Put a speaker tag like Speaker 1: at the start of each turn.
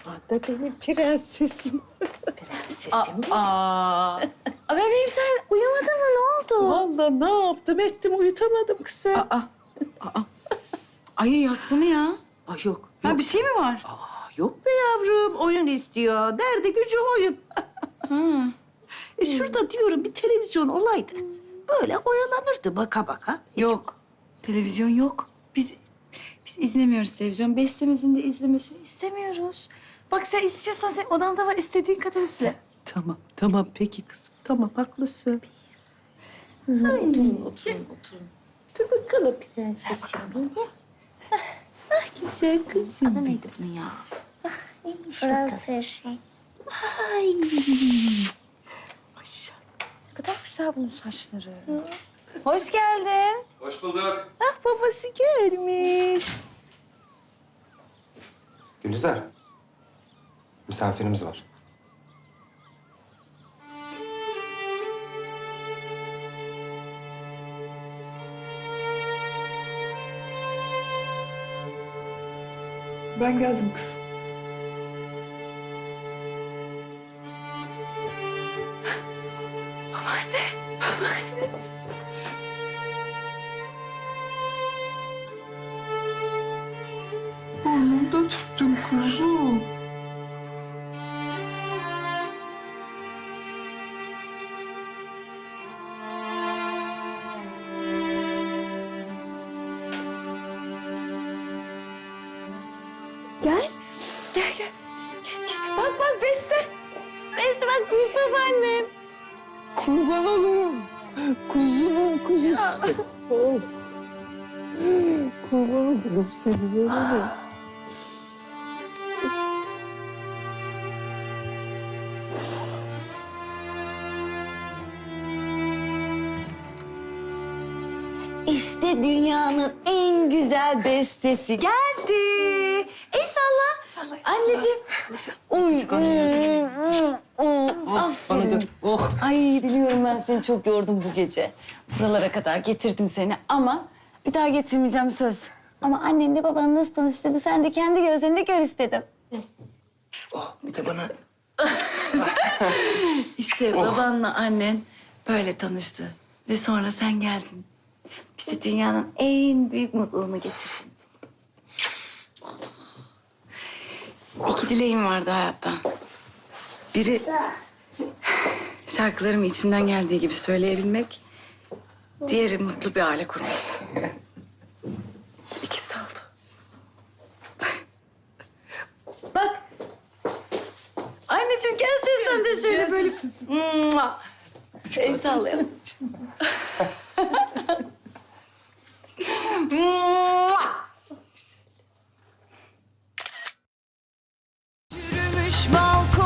Speaker 1: Da benim prensesim.
Speaker 2: Prensesim mi? Bebeğim sen uyumadın mı? Ne oldu?
Speaker 1: Vallahi ne yaptım ettim uyutamadım kızım.
Speaker 2: Ay yastı mı ya?
Speaker 1: Ay yok.
Speaker 2: Ha, bir şey mi var?
Speaker 1: Yok be yavrum oyun istiyor. Nerede gücü oyun. Şurada diyorum bir televizyon olaydı. Böyle oyalanırdı baka baka.
Speaker 2: Yok. Televizyon yok. Biz izlemiyoruz televizyon. Bestemizin de izlemesini istemiyoruz. Bak sen istiyorsan sen odanda var istediğin kadar izle.
Speaker 1: Tamam peki kızım. Tamam haklısın.
Speaker 2: Oturun.
Speaker 1: Dur bakalım prensesim benim. Ah güzel kızım.
Speaker 2: Adı neydi bunun ya?
Speaker 3: Fırlatır şey.
Speaker 1: Ay. Maşallah.
Speaker 2: Ne kadar güzel bunun saçları. Hoş geldin.
Speaker 4: Hoş bulduk.
Speaker 1: Ah babası gelmiş.
Speaker 4: Gülizar. Misafirimiz var.
Speaker 5: Ben geldim kız. Burnumda tuttum kuzum.
Speaker 2: Gel. Bak Beste. Beste bak büyük babaannem.
Speaker 5: Kurban olurum. Kuzumun kuzusu. Of. Kurban olurum seni. Oğlum.
Speaker 2: İşte dünyanın en güzel bestesi geldi. El salla. Anneciğim. Uy. Aferin. Ay biliyorum ben seni çok yordum bu gece. Buralara kadar getirdim seni ama bir daha getirmeyeceğim söz. Ama annenle babanı nasıl tanıştırdı sen de kendi gözlerinde gör istedim.
Speaker 5: Bir de bana
Speaker 2: İşte babanla annen böyle tanıştı. Ve sonra sen geldin. Bize dünyanın en büyük mutluluğunu getirdin. İki dileğim vardı hayatta. Biri şarkılarımı içimden geldiği gibi söyleyebilmek. Diğeri mutlu bir aile kurmak. İkisi de oldu. Bak. Anneciğim gel sen de şöyle böyle. Mua. El sallayalım.
Speaker 3: Yürümüş balkon.